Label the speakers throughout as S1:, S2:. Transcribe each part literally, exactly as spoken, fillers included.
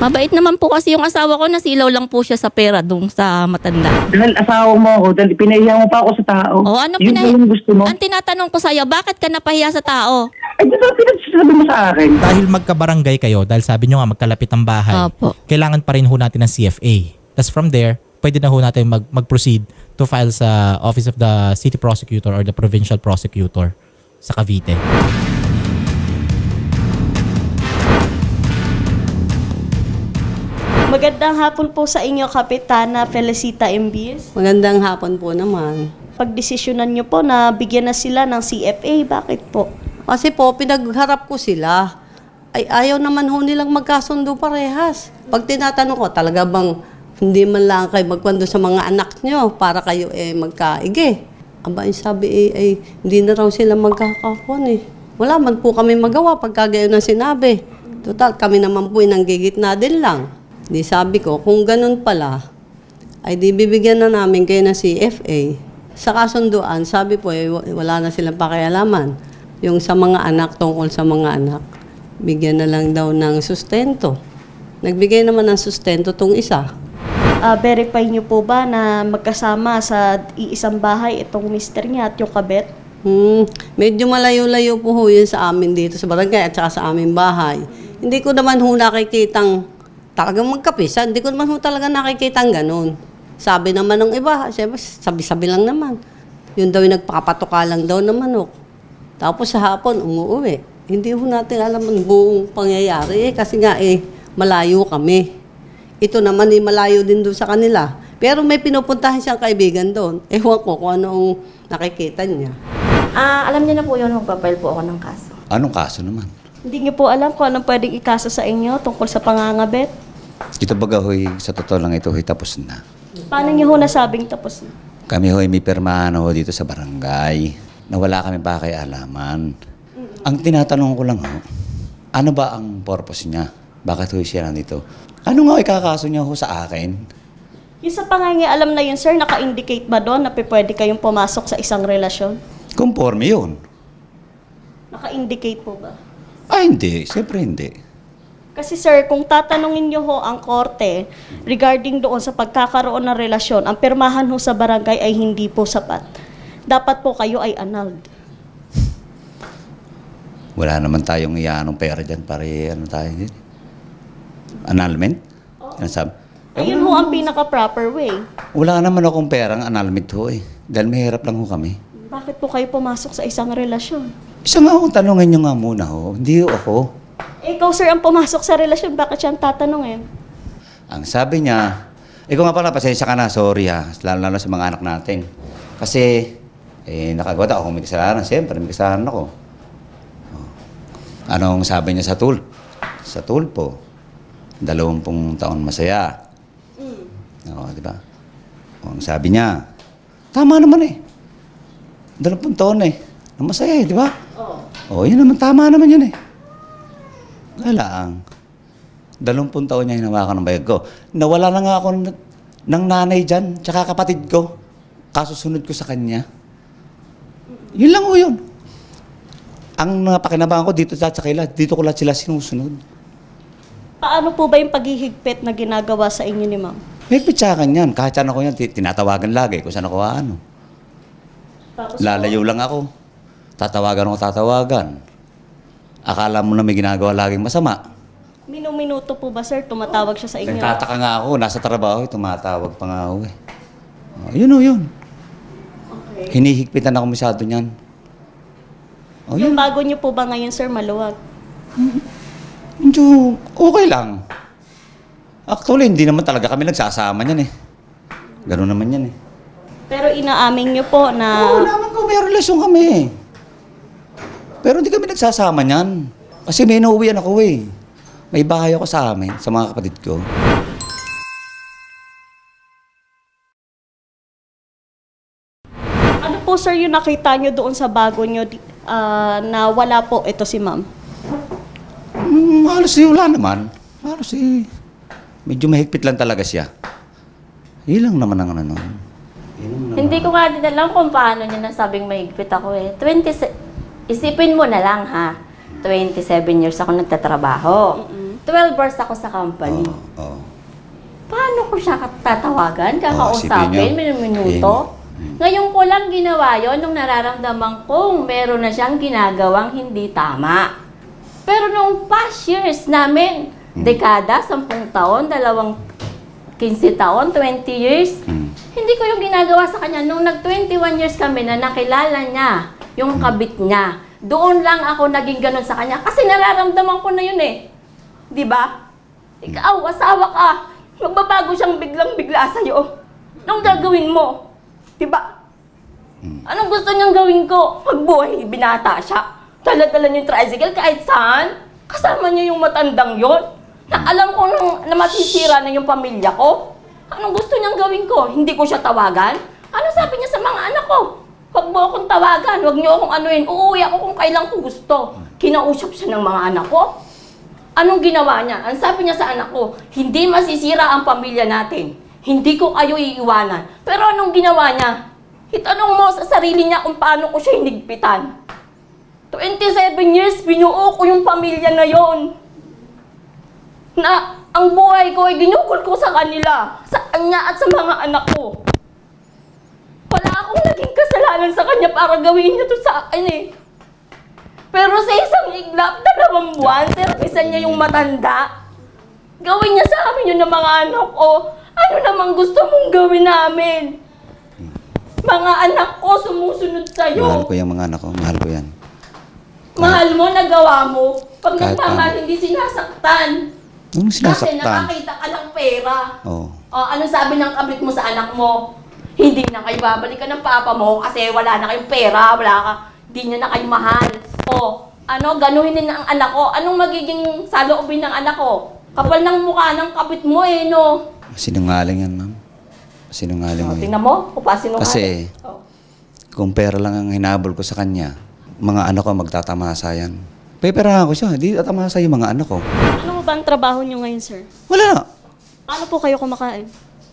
S1: Mabait naman po kasi yung asawa ko, nasilaw lang po siya sa pera dun sa matanda.
S2: Dahil asawa mo ako, dahil pinahiya mo pa ako sa tao.
S1: O ano
S2: Yun ba
S1: pinahi-
S2: yung gusto mo?
S1: Ang tinatanong ko sa'yo, bakit ka napahiya sa tao?
S2: Ay, di ba pinagsasabi mo sa akin?
S3: Dahil magkabarangay kayo, dahil sabi nyo nga magkalapit ang bahay,
S1: Opo.
S3: kailangan pa rin ho natin ng C F A. Tapos from there, pwede na ho natin mag- mag-proceed to file sa Office of the City Prosecutor or the Provincial Prosecutor sa Cavite.
S4: Magandang hapon po sa inyo, Kapitana Felicita Imbis.
S5: Magandang hapon po naman.
S4: Pagdesisyonan niyo po na bigyan na sila ng C F A, bakit po?
S5: Kasi po, pinagharap ko sila. Ay ayaw naman ho nilang magkasundo parehas. Pag tinatanong ko, talaga bang hindi man lang kayo magkwento sa mga anak nyo para kayo eh magkaigi? Aba, yung sabi eh, ay hindi na raw sila magkakakon eh. Wala man po kami magawa pagka gayon na sinabi. Total, kami naman po nanggigitna din lang. Di sabi ko, kung ganun pala, ay di bibigyan na namin kayo ng C F A. Sa kasunduan, sabi po, eh, wala na silang pakialaman. Yung sa mga anak, tungkol sa mga anak, bigyan na lang daw ng sustento. Nagbigay naman ng sustento tong isa.
S4: Ah, verify niyo po ba na magkasama sa iisang bahay itong mister niya at yung kabet?
S5: Hmm, medyo malayo-layo po ho yun sa amin dito sa barangay at saka sa aming bahay. Hindi ko naman ho nakikitang talagang magkapisa. Hindi ko naman ho talaga nakikitang ganun. Sabi naman ng iba, siyempre, sabi-sabi lang naman. Yun daw yung nagpapatuka lang daw ng manok. Tapos sa hapon, umuwi. Hindi ho natin alam ang buong pangyayari eh, kasi nga eh, malayo kami. Ito naman eh, malayo din doon sa kanila. Pero may pinupuntahan siyang kaibigan doon. Ewan ko kung anong nakikita niya.
S1: Ah, alam niyo na po yun, magpapile po ako ng kaso.
S6: Anong kaso naman?
S4: Hindi niyo po alam kung anong pwedeng ikaso sa inyo tungkol sa pangangabet?
S6: Ito baga hoy, sa totoo lang ito hoy, tapos na.
S4: Paano niyo ho nasabing tapos na?
S6: Kami hoy, may pirmahan ho dito sa barangay na wala kami pa kay alaman. Ang tinatanong ko lang ho, ano ba ang purpose niya? Bakit hoy siya nandito? Ano nga ikakaso niya ho sa akin?
S4: Yung sa pangangialam na yun, sir, naka-indicate ba doon na pe- pwede kayong pumasok sa isang relasyon?
S6: Conforme yun.
S4: Naka-indicate po ba?
S6: Ay hindi, siyempre hindi.
S4: Kasi sir, kung tatanungin niyo ho ang korte regarding doon sa pagkakaroon ng relasyon, ang pirmahan ho sa barangay ay hindi po sapat. Dapat po kayo ay annulled.
S6: Wala naman tayong iyanong pera dyan para ano tayo din. Annulment? Ano sabi?
S4: Ayun ho ang pinaka-proper way.
S6: Wala naman akong perang annulment ho eh. Dahil mahirap lang ho kami.
S4: Bakit po kayo pumasok sa isang relasyon?
S6: Isa nga akong tanongin nyo nga muna ho. Hindi ho ako.
S4: Eh, ikaw sir ang pumasok sa relasyon, bakit siya ang tatanungin?
S6: Ang sabi niya, ikaw nga pala, pasensya ka na, sorry ha, lalo-lalo sa mga anak natin. Kasi, eh, nakagawa ako, may kasalanan, siyempre, may kasalanan ako. Oh. Anong sabi niya sa tul? Sa tulpo, dalawampung taon masaya. Mm. Oo, di ba? O, ang sabi niya, tama naman eh. Dalawampung taon eh, na masaya eh, di ba? Oo. Oh. O, yun naman, tama naman yun eh. Wala ang dalawampung taon niya hinawakan ng bayag ko. Nawala na nga ako ng, ng nanay dyan, tsaka kapatid ko. Kasusunod ko sa kanya. Yun lang ho yun. Ang napakinabangan ko dito sa kanila, dito ko lahat sila sinusunod.
S4: Paano po ba yung paghihigpit na ginagawa sa inyo ni ma'am?
S6: May pitsakan yan. Kahit saan ako yan, tinatawagan lagi kung saan ako ano.
S4: Tapos
S6: Lalayo lang ako. Tatawagan ako, tatawagan. Akala mo na may ginagawa laging masama.
S4: Minuminuto po ba sir, tumatawag siya sa inyo?
S6: Nagtataka nga ako, nasa trabaho, tumatawag pa nga ako eh. Oh, yun o yun.
S4: Okay.
S6: Hinihigpitan ako masyado niyan. Oh,
S4: Yung
S6: yun.
S4: bago niyo po ba ngayon sir, maluwag?
S6: Medyo okay lang. Actually, hindi naman talaga kami nagsasama niyan eh. Ganun naman yan eh.
S4: Pero inaamin niyo po na...
S6: Oo naman ko, may relasyon kami eh. Pero hindi kami nagsasama niyan. Kasi may inuwian ako eh. May bahay ako sa amin, sa mga kapatid ko.
S4: Ano po sir yung nakita niyo doon sa bago niyo di- ah, na wala po ito si ma'am?
S6: Hmm, halos eh, wala naman. Halos eh, medyo mahigpit lang talaga siya. Ilang naman ang ano.
S1: Hindi ko nga din alam kung paano niya nasabing mahigpit ako eh. twenty, isipin mo na lang ha, twenty-seven years ako nagtatrabaho. twelve hours ako sa company.
S6: Oo. oo.
S1: Paano ko siya tatawagan, kakausapin,
S6: isipin
S1: minuto? Ngayon ko lang ginawa yon nung nararamdaman kong meron na siyang ginagawang hindi tama. Pero nung past years namin, dekada, sampung taon, dalawang quince taon, twenty years,
S6: Mm.
S1: hindi ko yung ginagawa sa kanya. Nung nag-twenty-one years kami na nakilala niya, yung kabit niya, doon lang ako naging ganun sa kanya. Kasi nararamdaman ko na yun eh. Di ba? Ikaw, asawa ka. Magbabago siyang biglang-bigla sa'yo. Anong gagawin mo? Di ba? Anong gusto niyang gawin ko? Magbuhay, binata siya. Dala-dala niya yung tricycle kahit saan. Kasama niya yung matandang yon. Na alam ko nang, na masisira na yung pamilya ko. Anong gusto niyang gawin ko? Hindi ko siya tawagan? Ano sabi niya sa mga anak ko? Huwag mo akong tawagan, huwag niyo akong anuin. Uuwi ako kung kailan ko gusto. Kinausap siya ng mga anak ko. Anong ginawa niya? Ang sabi niya sa anak ko, hindi masisira ang pamilya natin. Hindi ko kayo iiwanan. Pero anong ginawa niya? Itanong mo sa sarili niya kung paano ko siya hinigpitan. twenty-seven years, binuo ko yung pamilya na yon. Na ang buhay ko ay ginukol ko sa kanila, sa kanya at sa mga anak ko. Wala akong naging kasalanan sa kanya para gawin niya to sa akin eh. Pero sa isang iglap, dalawang buwan, servisan niya yung matanda. Gawin niya sa amin yun ng mga anak ko. Ano namang gusto mong gawin namin? Mga anak ko sumusunod
S6: Mahal
S1: sa'yo.
S6: ko yung mga anak ko. Mahal ko yan.
S1: Mahal mo, nagawa mo. Pag
S6: Kahit
S1: nagmamahal,
S6: paano.
S1: hindi sinasaktan.
S6: Nung
S1: Kasi
S6: sinasaktan.
S1: nakakita ka ng pera.
S6: Oo.
S1: O, anong sabi ng kabit mo sa anak mo? Hindi na kayo babalikan ng papa mo kasi wala na kayong pera, wala ka, hindi niya na kayo mahal. O, ano, ganuhin din ang anak ko. Anong magiging saloobin ng anak ko? Kapal ng mukha ng kabit mo eh, no?
S6: Sinungaling yan, ma'am. Sinungaling mo
S1: O,
S6: yan.
S1: tingnan mo, upasin mo
S6: Kasi,
S1: O.
S6: kung pera lang ang hinabol ko sa kanya, mga anak ko magtatamasa yan. Peperahan ko siya, di tatamasa yung mga anak ko.
S4: Ano ba ang trabaho niyo ngayon, sir?
S6: Wala na.
S4: Paano po kayo kumakain?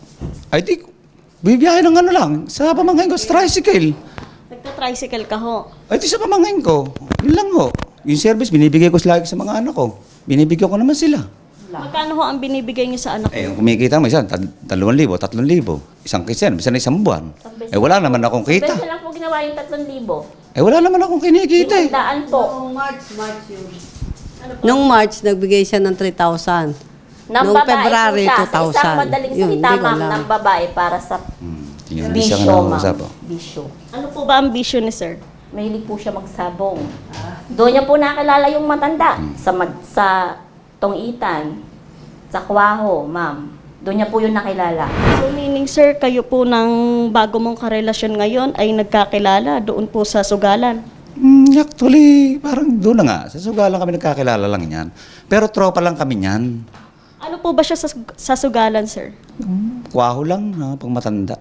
S6: Ay di, bibiyahe ng ano lang, sa pamangkin ko, sa tricycle.
S4: Nagta-tricycle ka ho.
S6: Ay di sa pamangkin ko, yun lang ho. Yung service, binibigay ko lagi sa mga anak ko. Binibigyan ko naman sila.
S4: Magkano ho ang binibigay niyo sa anak
S6: Eh,
S4: niyo?
S6: kung kumikita mo, isang, tal- dalawang libo, tatlong libo. Isang kitsen, bisa na isang buwan. Eh, wala naman akong kita.
S1: Best na lang po ginawa yung tatlong libo.
S6: Eh, wala naman akong kinikita eh.
S1: Daan po.
S5: March, March yun. Nung March, nagbigay siya ng three thousand.
S1: Nang
S5: Noong
S1: babae
S5: February,
S1: po siya.
S5: two
S1: Sa
S5: thousand.
S1: isang madaling
S5: Yun,
S1: salita,
S5: hindi ko
S1: ma'am,
S5: alam.
S1: ng babae para sa
S6: Hmm, yun, hindi siya
S1: bisyo,
S6: ka
S1: ma'am.
S6: nakausap. oh.
S1: Bisyo.
S4: Ano po ba ang vision ni sir?
S1: Mahilig po siya magsabong. Doon niya po nakilala yung matanda sa mad- sa Tongitan, sa Kwaho, ma'am. Doon niya po yung nakilala.
S4: So meaning sir, kayo po ng bago mong karelasyon ngayon ay nagkakilala doon po sa Sugalan.
S6: Hmm, actually, parang doon na nga. Sa sugalan kami nagkakilala lang yan. Pero tropa lang kami yan.
S4: Ano po ba siya sa, sa Sugalan, sir?
S6: Kwaho lang, ha, pag matanda.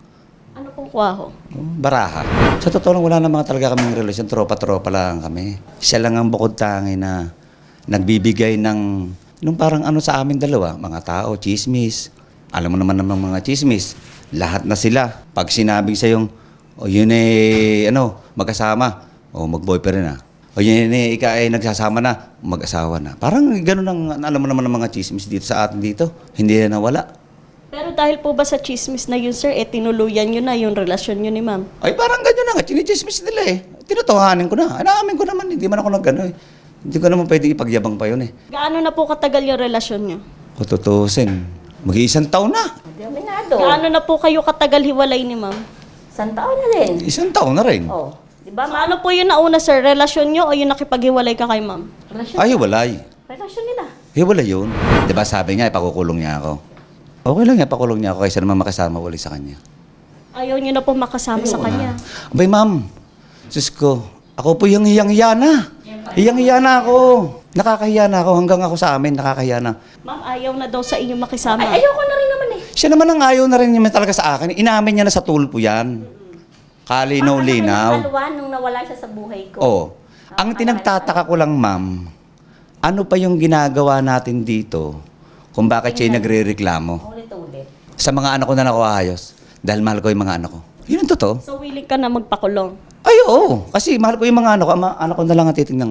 S4: Ano pong kwaho?
S6: Oh, Baraha. Sa totoo lang, wala na mga talaga kaming relasyon. Tropa-tropa lang kami. Siya lang ang bukod tangi na nagbibigay ng, nung parang ano sa amin dalawa, mga tao, chismis. Alam mo naman ng mga chismis. Lahat na sila. Pag sinabi sa yung, o yun eh, ano, magkasama. O mag-boyfriend na. O yun eh, ika ay nagsasama na, mag-asawa na. Parang ganun ang, alam mo naman ng mga chismis dito sa atin dito. Hindi na nawala.
S4: Pero dahil po ba sa chismis na yun, sir, eh tinuluyan nyo na yung relasyon nyo ni ma'am?
S6: Ay, parang ganyan na nga. Chinichismis nila eh. Tinutuhanin ko na. Inaamin ko naman. Hindi man ako nag-ano eh. Hindi ko naman pwede ipagyabang pa yun eh.
S4: Gaano na po katagal yung relasyon nyo?
S6: Kung tutusin, mag-iisang taon na.
S1: Hindi aminado.
S4: Gaano na po kayo katagal hiwalay ni ma'am?
S1: Isang taon na din.
S6: Isang taon na rin.
S1: Oh, di ba,
S4: So,
S1: ma'am?
S4: ano po yung nauna, sir? Relasyon nyo o yung nakipaghiwalay ka kay ma'am?
S1: Relasyon,
S6: Ay, hiwalay.
S1: relasyon nila.
S6: Hiwalay yun. Di ba sabi niya, ipakukulong niya ako. Okay lang niya, pakulong niya ako kaysa naman makasama uli sa kanya.
S4: Ayaw nyo na po makasama sa kanya.
S6: Abay, ma'am. Sus ko, ako po yung hiyang-hiya na. Hiyang-hiya na ako. Nakakahiya na ako. Hanggang ako sa amin, nakakahiya na.
S4: Ma'am, ayaw na daw sa inyo makisama.
S1: Ay, ayoko na rin naman eh.
S6: Siya naman ang ayaw na rin niya talaga sa akin. Inamin niya na sa tulpo yan. Kalinaw-linaw.
S1: Alwa nung nawala siya sa buhay ko.
S6: Oo. Ang tinagtataka ko lang, ma'am, ano pa yung ginagawa natin dito kung bakit siya nagre-reklamo
S1: Ulit-ulit.
S6: sa mga anak ko na nakuayos dahil mahal ko yung mga anak ko. Yun ang totoo.
S4: So, willing ka na magpakulong.
S6: Ay, oo. Kasi mahal ko yung mga anak ko. Ang mga anak ko na lang ang titingnan ko.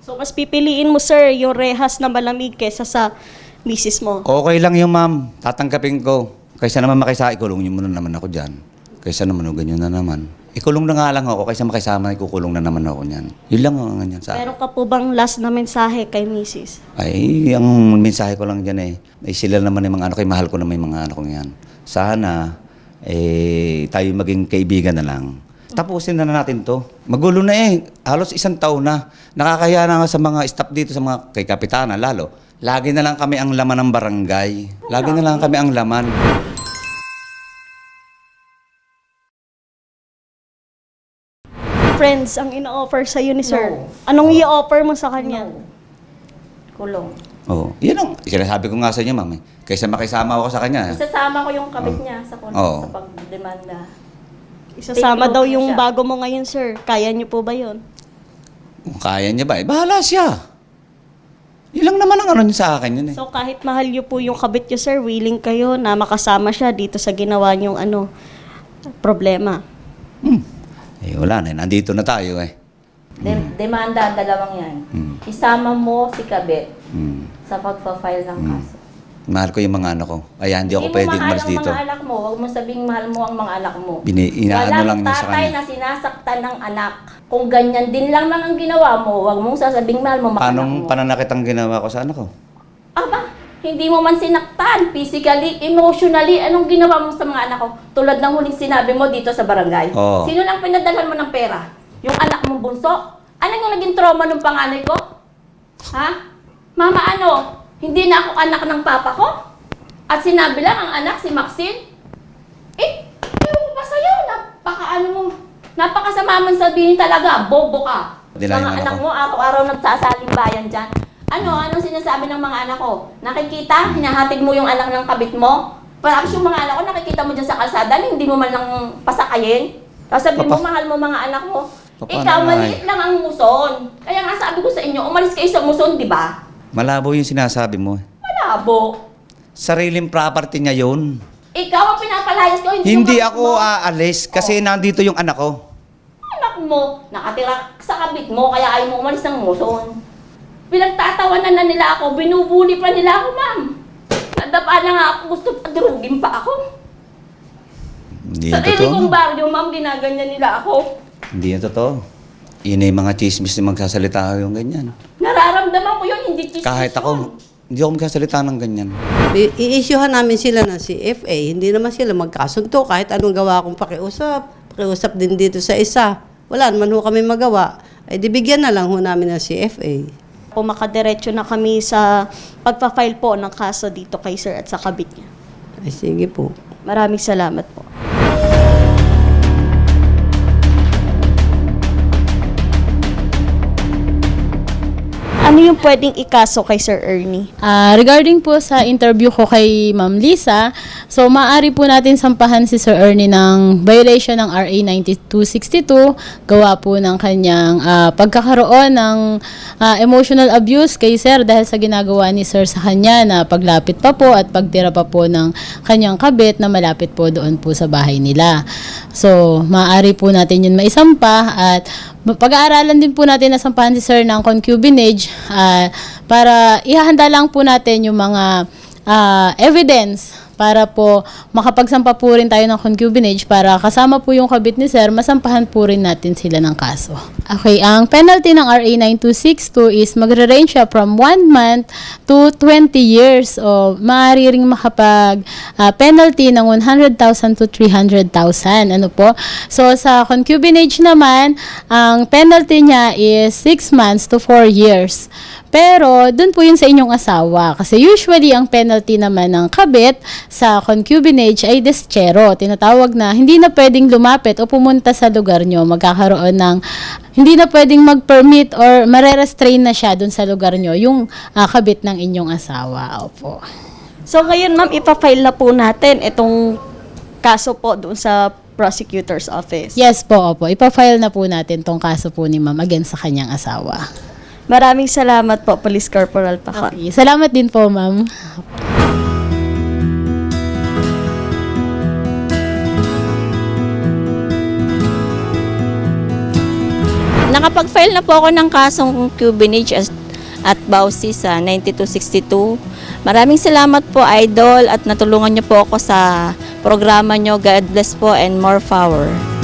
S4: So mas pipiliin mo, sir, yung rehas na malamig kesa sa misis mo.
S6: Okay lang yung ma'am, tatanggapin ko. Kaysa naman makisa, ikulong niyo muna naman ako dyan. Kaysa naman, o ganyan na naman. Ikulong na nga lang ako, kaysa makisama, ikukulong na naman ako niyan. Yun lang ang ganyan sa akin.
S4: Meron ka po bang last na mensahe kay misis?
S6: Ay, ang mensahe ko lang dyan eh, ay sila naman yung mga anak ko, eh, mahal ko naman yung mga anak ko yan. Sana, eh, tayo maging kaibigan na lang. Tapusin na, na natin to. Magulo na eh, halos isang taon na. Nakakaya na nga sa mga staff dito, sa mga kay Kapitana lalo. Lagi na lang kami ang laman ng barangay. Lagi na lang kami ang laman.
S4: Friends, ang ina-offer sa'yo ni sir.
S1: No.
S4: Anong i-offer mo sa kanya?
S1: No. Kulong.
S6: Oo, yan ang sinasabi ko nga sa inyo, ma'am. Eh. Kaysa makisama ako sa kanya.
S1: Isasama ko yung kabit niya sa kulong
S6: Oo.
S1: sa pagdemanda.
S4: Isasama
S1: Take
S4: daw
S1: note
S4: yung
S1: siya.
S4: bago mo ngayon, sir. Kaya niyo po ba yun?
S6: Kung kaya niya ba, eh, bahala siya. Yun lang naman ang ano niya sa akin yun eh.
S4: So kahit mahal niyo po yung kabit niyo, sir, willing kayo na makasama siya dito sa ginawa niyong ano, problema.
S6: Hmm. Eh, wala na. Nandito na tayo eh.
S1: De- demanda, dalawang yan.
S6: Hmm.
S1: Isama mo si kabit
S6: Hmm.
S1: sa pagpa-file ng kaso.
S6: Mahal ko yung mga anak ko. Kaya hindi ako pwedeng
S1: mahal
S6: umalis
S1: ang
S6: dito.
S1: mga anak mo. Huwag mo sabing mahal mo ang mga anak mo.
S6: Bini, inaano
S1: Walang
S6: lang niya sa
S1: tatay
S6: kanya.
S1: na sinasaktan ng anak. Kung ganyan din lang lang ang ginawa mo, huwag mong sasabing mahal mo mga anak
S6: Anong
S1: mo.
S6: pananakit ang ginawa ko sa anak ko?
S1: Aba, hindi mo man sinaktan, physically, emotionally, anong ginawa mo sa mga anak ko? Tulad ng huling sinabi mo dito sa barangay.
S6: Oo.
S1: Sino lang pinadalhan mo ng pera? Yung anak mong bunso? Ano yung naging trauma ng panganay ko? Ha? Mama, ano? Hindi na ako anak ng papa ko? At sinabi lang ang anak, si Maxine? Eh, ewan ko pa sa'yo. Napaka ano mo. Napakasama man sabihin talaga. Bobo ka.
S6: Hindi lang yung
S1: Mga
S6: anak
S1: anak
S6: ko.
S1: mo, araw-araw nagsasaling bayan dyan. Ano? Anong sinasabi ng mga anak ko? Nakikita? Hinahatid mo yung anak ng kabit mo? Parang yung mga anak ko, nakikita mo dyan sa kalsada, hindi mo man lang pasakayin. Tapos sabi mo,
S6: Papa-
S1: mahal mo mga anak mo.
S6: Papa,
S1: Ikaw,
S6: ano nga
S1: maliit lang ang muson. Kaya nga sabi ko sa inyo, umalis kayo sa muson, di ba?
S6: Malabo yung sinasabi mo.
S1: Malabo.
S6: Sariling property niya yun.
S1: Ikaw ang pinapalayas ko, hindi,
S6: Hindi
S1: yung kabit
S6: ako
S1: mo.
S6: aalis kasi nandito yung anak ko.
S1: Anak mo, nakatira sa kabit mo, kaya ayaw mo umalis ng muson. Pinagtatawanan na nila ako, binubuli pa nila ako, ma'am. Nadapa na nga ako, gusto pa durugin pa ako.
S6: Hindi
S1: Sa
S6: yan
S1: sarili
S6: totoo.
S1: kong baryo, ma'am, ginaganyan nila ako.
S6: Hindi yan totoo. Yun ay mga chismis na magsasalita yung ganyan.
S1: Nararamdaman ko yun, hindi chismis
S6: Kahit
S1: yun.
S6: ako, hindi ako magsasalita ng ganyan.
S5: I- I-issuehan namin sila ng C F A. Hindi naman sila magkasunto kahit anong gawa kong pakiusap. Pakiusap din dito sa isa. Wala naman ho kami magawa. Ay di bigyan na lang ho namin ng C F A.
S4: Po makadiretso na kami sa pagpa-file po ng kaso dito kay sir at sa kabit niya.
S5: Ay sige po.
S4: Maraming salamat po. Ano yung pwedeng ikaso kay Sir Ernie?
S7: Ah, regarding po sa interview ko kay Ma'am Lisa, so maaari po natin sampahan si Sir Ernie ng violation ng R A ninety-two sixty-two, gawa po ng kanyang ah, pagkakaroon ng ah, emotional abuse kay Sir dahil sa ginagawa ni Sir sa kanya na paglapit pa po at pagtira pa po ng kanyang kabit na malapit po doon po sa bahay nila. So, maaari po natin yun maisampa at pag-aaralan din po natin na sampahan si Sir ng concubinage ah, para ihahanda lang po natin yung mga ah, evidence para po makapagsampa po rin tayo ng concubinage para kasama po yung kabit ni Sir, masampahan po rin natin sila ng kaso. Okay, ang penalty ng R A ninety-two sixty-two is magre-range siya from one month to twenty years o maaari ring makapag ah, penalty ng one hundred thousand to three hundred thousand. Ano po? So, sa concubinage naman, ang penalty niya is six months to four years. Pero, dun po yun sa inyong asawa. Kasi usually, ang penalty naman ng kabit sa concubinage ay deschero. Tinatawag na hindi na pwedeng lumapit o pumunta sa lugar nyo. Magkakaroon ng hindi na pwedeng mag-permit or mare-restrain na siya dun sa lugar nyo yung ah, kabit ng inyong asawa. Opo.
S4: So ngayon ma'am, ipafile na po natin itong kaso po doon sa prosecutor's office.
S7: Yes po, opo. Ipa-file na po natin tong kaso po ni ma'am against sa kanyang asawa.
S4: Maraming salamat po, Police Corporal Pacon.
S7: Okay. Salamat din po, ma'am.
S1: nakapag-file na po ako ng kasong Cubinage at, at Bausi sa ninety-two sixty-two. Maraming salamat po, Idol, at natulungan niyo po ako sa programa niyo. God bless po and more power.